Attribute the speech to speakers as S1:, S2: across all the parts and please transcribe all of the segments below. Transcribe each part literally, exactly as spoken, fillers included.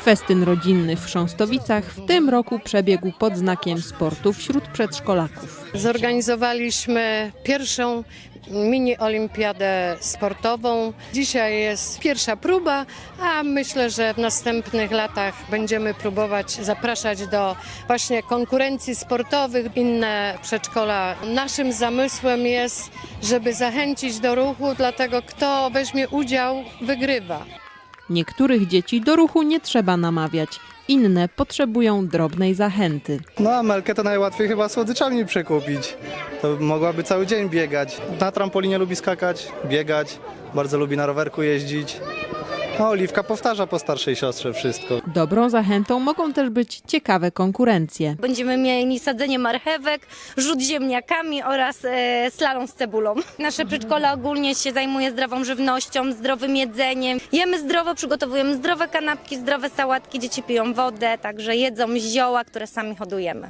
S1: Festyn rodzinny w Chrząstowicach w tym roku przebiegł pod znakiem sportu wśród przedszkolaków.
S2: Zorganizowaliśmy pierwszą mini olimpiadę sportową. Dzisiaj jest pierwsza próba, a myślę, że w następnych latach będziemy próbować zapraszać do właśnie konkurencji sportowych inne przedszkola. Naszym zamysłem jest, żeby zachęcić do ruchu, dlatego kto weźmie udział, wygrywa.
S1: Niektórych dzieci do ruchu nie trzeba namawiać, inne potrzebują drobnej zachęty.
S3: No a Melkę to najłatwiej chyba słodyczami przekupić. To mogłaby cały dzień biegać. Na trampolinie lubi skakać, biegać, bardzo lubi na rowerku jeździć. A Oliwka powtarza po starszej siostrze wszystko.
S1: Dobrą zachętą mogą też być ciekawe konkurencje.
S4: Będziemy mieli sadzenie marchewek, rzut ziemniakami oraz e, slalom z cebulą. Nasze przedszkole ogólnie się zajmuje zdrową żywnością, zdrowym jedzeniem. Jemy zdrowo, przygotowujemy zdrowe kanapki, zdrowe sałatki, dzieci piją wodę, także jedzą zioła, które sami hodujemy.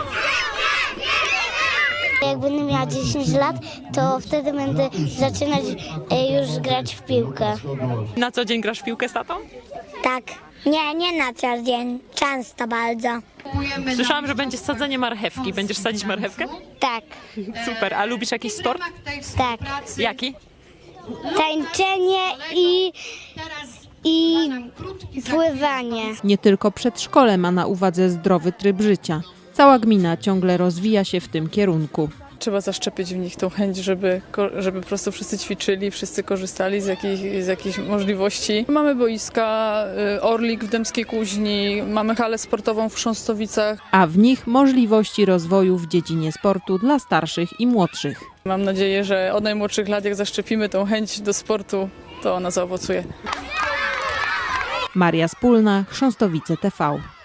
S5: Jak będę miała dziesięć lat, to wtedy będę zaczynać już grać w piłkę.
S6: Na co dzień grasz w piłkę z tatą?
S5: Tak. Nie, nie na co dzień. Często bardzo.
S6: Słyszałam, że będzie sadzenie marchewki. Będziesz sadzić marchewkę?
S5: Tak,
S6: Super. A lubisz jakiś sport?
S5: tak.
S6: Jaki?
S5: Tańczenie i, i pływanie.
S1: Nie tylko przedszkole ma na uwadze zdrowy tryb życia. Cała gmina ciągle rozwija się w tym kierunku.
S7: Trzeba zaszczepić w nich tą chęć, żeby, żeby po prostu wszyscy ćwiczyli, wszyscy korzystali z jakich, z jakichś możliwości. Mamy boiska, Orlik w Dębskiej Kuźni, mamy halę sportową w Chrząstowicach.
S1: A w nich możliwości rozwoju w dziedzinie sportu dla starszych i młodszych.
S7: Mam nadzieję, że od najmłodszych lat jak zaszczepimy tą chęć do sportu, to ona zaowocuje.
S1: Maria Spólna, Chrząstowice T V.